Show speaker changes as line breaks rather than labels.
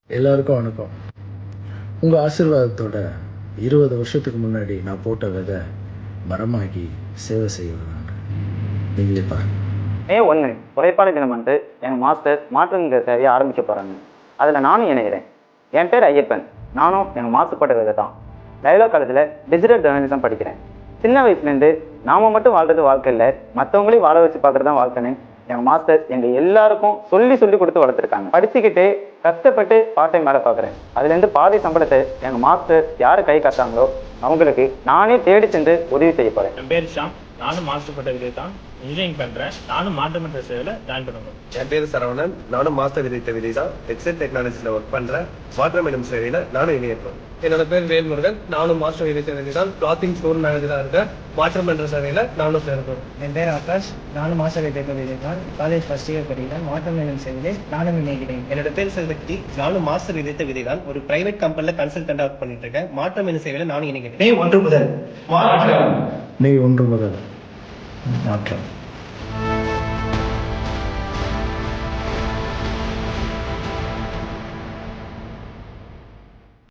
எல்லாருக்கும் வணக்கம். உங்கள் ஆசீர்வாதத்தோட 20 வருஷத்துக்கு முன்னாடி நான் போட்ட விதை மரமாகி சேவை செய்வேன். நீங்களே பாருங்க.
மே 1 உழைப்பாளர் தினம் வந்து எங்கள் மாஸ்டர் மாற்றுங்கிற சேவையை ஆரம்பிக்க போகிறாங்க. அதில் நானும் இணைகிறேன். என் பேர் ஐயப்பன். நானும் எங்கள் மாஸ்டர் போட்ட விதை தான். டைலாக் காலேஜில் டிஜிட்டல் ஜேர்னலிசம் படிக்கிறேன். சின்ன வயசுலேருந்து நாம் மட்டும் வாழ்கிறது வாழ்க்கை இல்லை, மற்றவங்களையும் வாழ வச்சு பார்க்குறது தான் வாழ்க்கைன்னு எங்கள் மாஸ்டர் எங்கள் எல்லாருக்கும் சொல்லி கொடுத்து வளர்த்துருக்காங்க. படிச்சுக்கிட்டு கஷ்டப்பட்டு பார்ட் டைம் வேலை பார்க்குறேன். அதுலேருந்து பாதி சம்பளத்தை எங்கள் மாஸ்டர் யார் கை காட்டாங்களோ அவங்களுக்கு நானே தேடி சென்று உதவி செய்ய போகிறேன்.
என் பேர் ஷாம். நானும் மாஸ்டர் பட்ட விதை தான் இன்ஜினியரிங் பண்ணுறேன். நானும் மாற்றமன்ற சேவையில் ஜாயின் பண்ணுவேன்.
என் பேர் சரவணன். நானும் மாஸ்டர் விதைத்த விதை தான் எக்ஸெட் டெக்னாலஜியில் ஒர்க் பண்ணுறேன். மாற்றம் எனும் சேவையில் நானும் இணையிருப்பேன்.
என்னோட பேர் வேல்முருகன். நானும் மாஸ்டர் விதைத்த விதை தான் கிளாத்திங் ஸ்டோர் மேனேஜராக இருக்கேன். மாற்றம் என்ற சேவையில் நானும் சேர்ப்பேன்.
என் பேர் ஆகாஷ். நானும் மாஸ்டர் விதைத்த விதை தான் காலேஜ் ஃபர்ஸ்ட் இயர் படிக்கிறேன். மாற்றம் எனும் சேவையிலே நானும் இணைகிறேன்.
என்னோட பேர் செல்வக்தி. நானும் மாஸ்டர் விதைத்த விதை தான் ஒரு பிரைவேட் கம்பெனியில் கன்சல்டண்டாக ஒர்க் பண்ணிட்டு இருக்கேன். மாற்றம் எனும் சேவையில் நானும் இணைகிறேன்.
மே 1 முதல்
நீ ஒன்று முதல் மாற்றம்.